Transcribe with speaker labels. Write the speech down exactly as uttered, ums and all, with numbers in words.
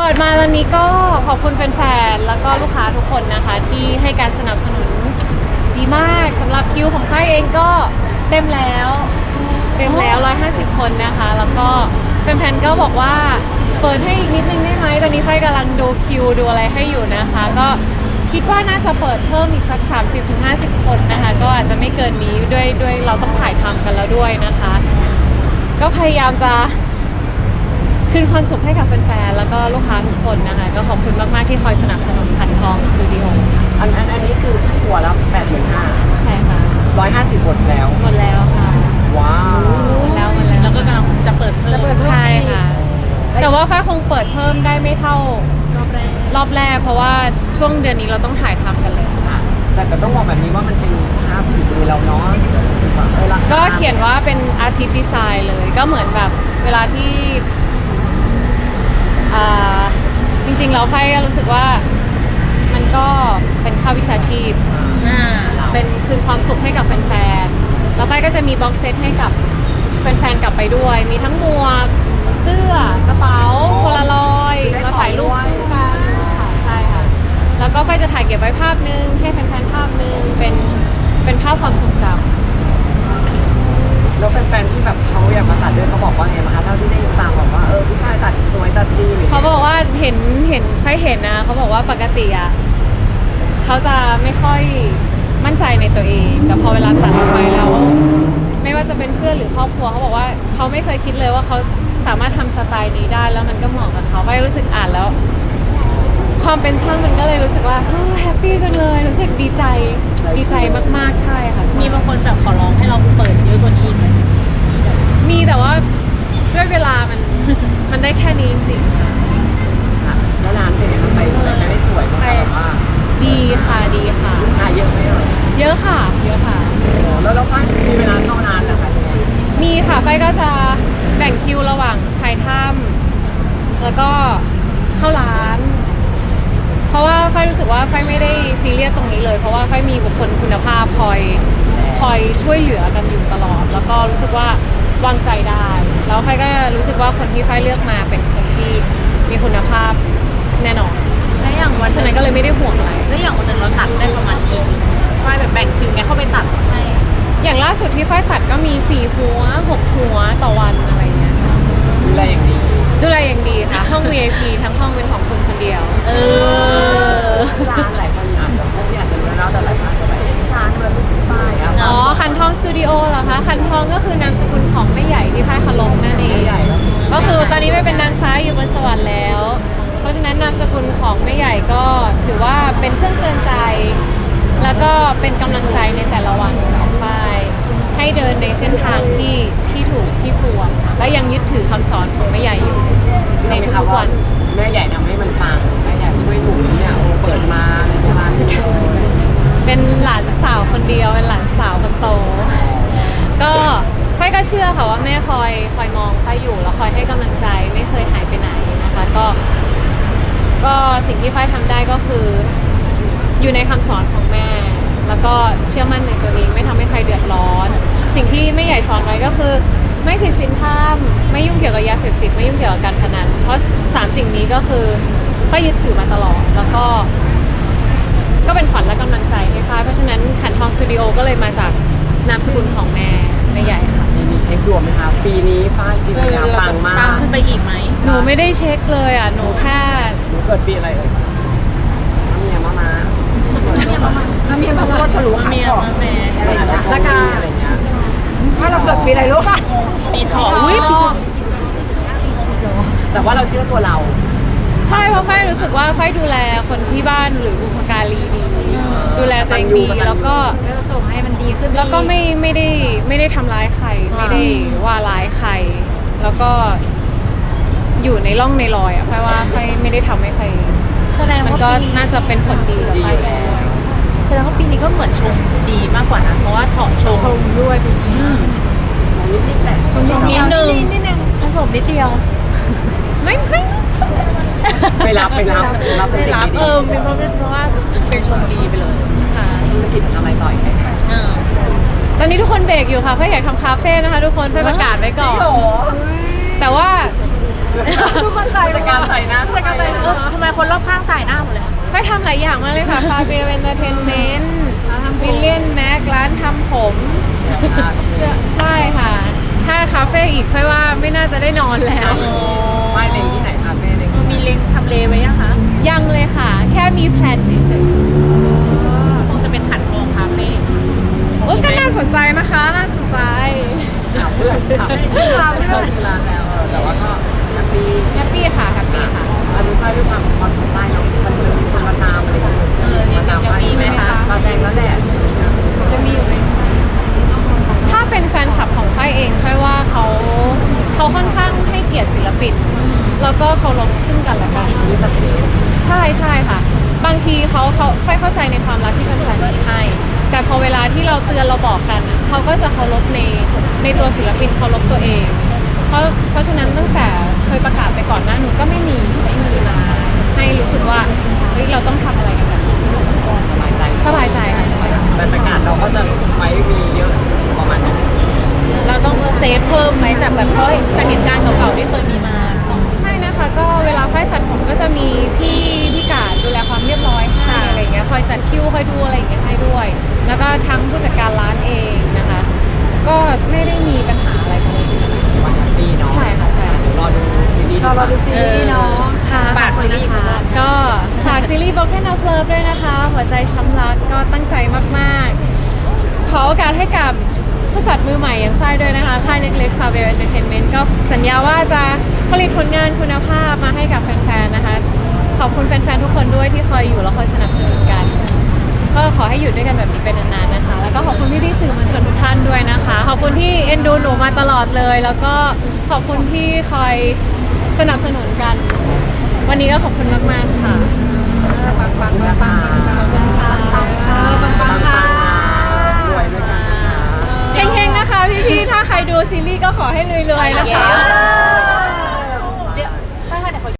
Speaker 1: ปิดมาตอนนี้ก็ขอบคุณแฟนๆแล้วก็ลูกค้าทุกคนนะคะที่ให้การสนับสนุนดีมากสำหรับคิวของค่ายเองก็เต็มแล้วเต็มแล้วหนึ่งร้อยห้าสิบคนนะคะแล้วก็แฟนๆก็บอกว่าเปิดให้อีกนิดนึงได้ไหมตอนนี้ค่ายกำลังดูคิวดูอะไรให้อยู่นะคะก็คิดว่าน่าจะเปิดเพิ่มอีกสัก สามสิบถึงห้าสิบ คนนะคะก็อาจจะไม่เกินนี้ด้วยด้วยเราต้องถ่ายทำกันแล้วด้วยนะคะก็พยายามจะคืนความสุขให้กับแฟนๆแล้วก็ลูกค้าทุกคนนะคะก็ขอบคุณมากๆที่คอยสนับสนุนขันทองสตูดิโอ
Speaker 2: อันอันอันนี้คือหัวแล้วแปดหมื่นห้า
Speaker 1: ใช่ค่ะ
Speaker 2: ร้อยห้าสิบหมดแล้ว
Speaker 1: หมดแล้วค่ะ
Speaker 2: ว้าว
Speaker 1: หมดแล้วหมดแล้ว
Speaker 3: แล้วก็กำลังจะเปิดเพิ่ม
Speaker 1: ใช่ค่ะแต่ว่าฝ้ายคงเปิดเพิ่มได้ไม่เท่ารอบแรกรอบแรกเพราะว่าช่วงเดือนนี้เราต้องถ่ายทำกันเลย
Speaker 2: แต่แต่ต้องบอกแบบนี้ว่ามันเป็นภาพฝีมือเราเนาะ
Speaker 1: ก็เขียนว่าเป็นอาร์ติสต์ดีไซน์เลยก็เหมือนแบบเวลาที่จริงๆเราค่อยรู้สึกว่ามันก็เป็นค่าวิชาชีพเป็นคืนความสุขให้กับแฟนๆแล้วค่อยก็จะมีบ็อกเซตให้กับแฟนๆกลับไปด้วยมีทั้งหมวกเสื้อกระเป๋าโพลารอยด์มาถ่ายรูปคู่กันค่ะใช่ค่ะแล้วก็ค่อยจะถ่ายเก็บไว้ภาพนึงให้แฟนๆภาพนึงเป็นเป็นภาพความทรงจำ
Speaker 2: แล้วแฟนๆที่แบบเขาอยากมาตัดด้วยเขาบอกว่าไงบ้างคะเท่าที่ได้ฟังบอกว่าเออพี่ชายตัดสวยตัดดี
Speaker 1: เขาบอกว่าเห็นเห็นใครเห็นนะเขาบอกว่าปกติอ่ะเขาจะไม่ค่อยมั่นใจในตัวเองแต่พอเวลาตัดออกไปแล้วไม่ว่าจะเป็นเพื่อนหรือครอบครัวเขาบอกว่าเขาไม่เคยคิดเลยว่าเขาสามารถทำสไตล์นี้ได้แล้วมันก็เหมาะกับเขาไปรู้สึกอ่านแล้วความเป็นช่างมันก็เลยรู้สึกว่าแฮปปี้จังเลยรู้สึกดีใจดีใจมากๆใช่ค่ะ
Speaker 3: มีบางคนแบบขอร้องให้เราเปิดเยอะกว่านี้อีกไหม
Speaker 1: มีแต่ว่าด้วยเวลามันมันได้แค่นี้จริงๆค่ะ
Speaker 2: แล้วร้านเป็นยังไงไปไม่ได้สวยมากแบบว่า
Speaker 1: ดีค่ะดีค่ะ
Speaker 2: ลูกค้าเยอะไหม
Speaker 1: เยอะค่ะเยอะค่ะ
Speaker 2: แล้วเราฝ้ายมีเวลาเข้านานแล้วค่ะ
Speaker 1: มีค่ะฝ้ายก็จะแบ่งคิวระหว่างถ่ายถ้ำแล้วก็เข้าร้านเพราะว่าฝ้ายรู้สึกว่าฝ้ายไม่ได้ซีเรียสตรงนี้เลยเพราะว่าฝ้ายมีบุคคลคุณภาพคอยคอยช่วยเหลือกันอยู่ตลอดแล้วก็รู้สึกว่าวางใจได้แล้วฝ้ายก็รู้สึกว่าคนที่ฝ้ายเลือกมาเป็นคนที่มีคุณภาพแน่นอน
Speaker 3: และอย่างวัน
Speaker 1: ฉะนั้นก็เลยไม่ได้ห่วงอะไร
Speaker 3: แล้วอย่างวันหนึ่งเราตัดได้ประมาณกี่ฝ้ายแบบแบ่งคิวไงเข้าไปตัดให้
Speaker 1: อย่างล่าสุดที่ฝ้ายตัดก็มีสี่หัวหกหัวต่อวันอะไรเงี้ย
Speaker 2: ดูแลอย่างดี
Speaker 1: ดูแลอย่างดีค่ะห้อง วี ไอ พี ทั้งห้องเป็นของคุณคนเดียว
Speaker 3: เออ
Speaker 2: ร้านหลายคนอาจจะพวกที่อาจจะรู้แล้วแต่หลายคนจะแบบร้านมันไม่ใช่ป้าย
Speaker 1: อ๋อคันทองสตูดิโอเหรอคะคันทองก็คือนามสกุลของแม่ใหญ่ที่พ่ายคลงนั่นเองก็คือตอนนี้ไม่เป็นนางฟ้าอยู่บนสวรรค์แล้วเพราะฉะนั้นนามสกุลของแม่ใหญ่ก็ถือว่าเป็นเครื่องเตือนใจแล้วก็เป็นกำลังใจในแต่ละวันของฝ้ายให้เดินในเส้นทางที่ที่ถูกที่ควรและยังยึดถือคำสอนของแม่ใหญ่อยู่ในทุกวัน
Speaker 2: แม่ใหญ่ทำให้มันปังแม่ใหญ่ช่วยหนูเนี่ยโอ้เปิดมาในร้าน
Speaker 1: เป็นหลานสาวคนเดียวเป็นหลานสาวคนโตก็ฝ้ายก็เชื่อค่ะว่าแม่คอยคอยมองฝ้ายอยู่แล้วคอยให้กำลังใจไม่เคยหายไปไหนนะคะก็ก็สิ่งที่ฝ้ายทำได้ก็คืออยู่ในคำสอนของแม่แล้วก็เชื่อมั่นในตัวเองไม่ทำให้ใครเดือดร้อนสิ่งที่แม่ใหญ่สอนไว้ก็คือไม่ผิดศีลธรรมไม่ยุ่งเกี่ยวกับยาเสพติดไม่ยุ่งเกี่ยวกับการพนันเพราะสามสิ่งนี้ก็คือฝ้ายยึดถือมาตลอดแล้วก็ก็เป็นขวัญและกำลังใจให้ฝ้ายเพราะฉะนั้นขันทองสตูดิโอก็เลยมาจากนามสกุลของแม่แม่ใหญ่ค่ะ
Speaker 2: มีเช็คดวงไหมคะปีนี้ฝ้ายปีนี้ปังมาก
Speaker 3: ขึ้นไปอีกไหม
Speaker 1: หนูไม่ได้เช็คเลยอ่ะหนูแค่
Speaker 2: หนูเกิดปีอะไรเอ่ยน้ำเมียมามาน้ำเมียมาก็ฉลูขาดก่อนละกาอะไรเงี้ยถ้าเราเกิดปีอะไรรู้ป่ะ
Speaker 3: ปีถอ
Speaker 1: อุ้ย
Speaker 2: แต่ว่าเราเชื่อตัวเรา
Speaker 1: ใช่เพราะฝ้ายรู้สึกว่าฝ้ายดูแลคนที่บ้านหรือบุพการีดีดูแลตัวเองดีแล้วก็
Speaker 3: ส่งให้มันดีขึ้น
Speaker 1: แล้วก็ไม่ไม่ได้ไม่ได้ทำร้ายใครไม่ได้ว่าร้ายใครแล้วก็อยู่ในร่องในรอยอ่ะฝ้ายว่าฝ้ายไม่ได้ทำให้ใคร
Speaker 3: แสดง
Speaker 1: มันก็น่าจะเป็นผลดีกับฝ้ายแล้ว
Speaker 3: แสดงว่าปีนี้ก็เหมือนชงดีมากกว่านะเพราะว่าถอดชง
Speaker 1: ชงด้วยปีนี้
Speaker 2: ชงนิดนิดแหละ
Speaker 3: ชงนิดนึง
Speaker 1: นิดนึงผสมนิดเดียวไม่ไม่
Speaker 2: ไปรับไปรับ
Speaker 3: รับไปรับเออเป็นเพราะเพราะว่าเป็นชงดีไปเลย
Speaker 1: ค่ะ
Speaker 2: ธุรกิจทำอะไรต่ออีกไหม
Speaker 1: ตอนนี้ทุกคนเบรกอยู่ค่ะเพื่ออยากทำคาเฟ่นะคะทุกคนเพื่อประกาศไว้ก่อนแต่ว่า
Speaker 2: ทุกคนใส่จัดการใส่นะ
Speaker 1: จัดการใส่เอ
Speaker 3: คนรอบข้างสายหน้าหมดเลยค่ะ
Speaker 1: ไปทำหลายอย่างมากเลยค่ะ ฟาเบียเอนเตอร์เทนเมนต์มิลเลียนแม็กร้านทำผมเสื้อใช่ค่ะ ถ้าคาเฟ่อีกค่อยว่าไม่น่าจะได้นอนแล้ว
Speaker 2: ไม่เล็งที่ไหนคาเฟ่เล็ง
Speaker 3: มีเล็งทำเลไว้ยังคะ
Speaker 1: ยังเลยค่ะ แค่มีแพลนเฉย
Speaker 3: คงจะเป็นขันทองคาเฟ่
Speaker 1: ๆโอ้ยก็น่าสนใจนะคะ น่าสนใจ
Speaker 2: ถามเพื่อนถามชื่อร้านชื่อร้านแล้วเออแต่ว่าก็แฮปปี้
Speaker 1: แฮปปี้ค่ะ แฮปปี้ค่ะ
Speaker 2: อันนี้ค่ายด้วยความความสนใจเนาะมันเหมือนมีคนมาตามอะไรอย่างเงี้ย
Speaker 3: เออยังยังมีไหมคะ
Speaker 2: มาแจงแล้วแหละ
Speaker 1: จะมีอยู่ไหมถ้าเป็นแฟนคลับของค่ายเองค่อยว่าเขาเขาค่อนข้างให้เกียรติศิลปิน แล้วก็เคารพซึ่งกันและกัน
Speaker 2: มีสเปซ
Speaker 1: ใช่ใช่ค่ะ บางทีเขาเขาค่อยเข้าใจในความรักที่แฟนๆมีให้ แต่พอเวลาที่เราเตือนเราบอกกันอะเขาก็จะเคารพในในตัวศิลปินเคารพตัวเอง เพราะเพราะฉะนั้นตั้งแต่เคยประกาศไปก่อนหน้านู้นก็ไม่มีไม่มีมาให้รู้สึกว่าเฮ้ยเราต้องทำอะไรกันแบบนี้
Speaker 2: สบายใจ
Speaker 1: สบายใจค่ะสบายใจ
Speaker 2: บรรยากาศเราก็จะไว้มีเยอะประมาณนี้
Speaker 3: เราต้องเซฟเพิ่มไหมจากแบบเพราะจากเหตุการณ์เก่าๆที่เคยมีมา
Speaker 1: ไม่นะคะก็เวลาค่ายตัดผมก็จะมีพี่พี่กาดดูแลความเรียบร้อยให้
Speaker 3: ค่ะ
Speaker 1: อะไรอย่างเงี้ยคอยจัดคิวคอยดูอะไรอย่างเงี้ยให้ด้วย แล้วก็ทั้งผู้จัดการร้านเองนะคะ ก็ไม่ได้มีปัญหาอะไรกันเลย
Speaker 2: วันแฮปปี้เนาะ
Speaker 1: ใช่ค่ะใช่
Speaker 2: เดี๋ยวรอดูซีรีส์
Speaker 1: เราดูซีรีส์เนาะค่ะ
Speaker 3: ฝากซีรีส์
Speaker 1: ขอบคุณนะคะก็ฝากซีรีส์ Broken Out Love ด้วยนะคะ หัวใจช้ำรักก็ตั้งใจมากๆ ขอโอกาสให้กับผู้จัดมือใหม่อย่างค่ายด้วยนะคะ ค่ายเล็กๆ Fabio Entertainment ก็สัญญาว่าจะผลิตผลงานคุณภาพมาให้กับแฟนๆ นะคะ ขอบคุณแฟนๆ ทุกคนด้วยที่คอยอยู่และคอยสนับสนุนกัน ก็ขอให้อยู่ด้วยกันแบบนี้เป็นนานๆ นะคะ แล้วก็ขอบคุณพี่ๆ สื่อมวลชนทุกท่านด้วยนะคะ ขอบคุณที่เอ็นดูหนูมาตลอดเลย แล้วก็ขอบคุณที่คอยสนับสนุนกัน วันนี้ก็ขอบคุณมากๆ ค่ะ
Speaker 2: ปังปังปังปัง
Speaker 1: ขอบคุณค่ะ
Speaker 2: ปังค่ะรวยด้วยกันนะคะ
Speaker 1: เฮงๆ นะคะพี่ๆ ถ้าใครดูซีรีส์ก็ขอให้รวยๆ นะคะ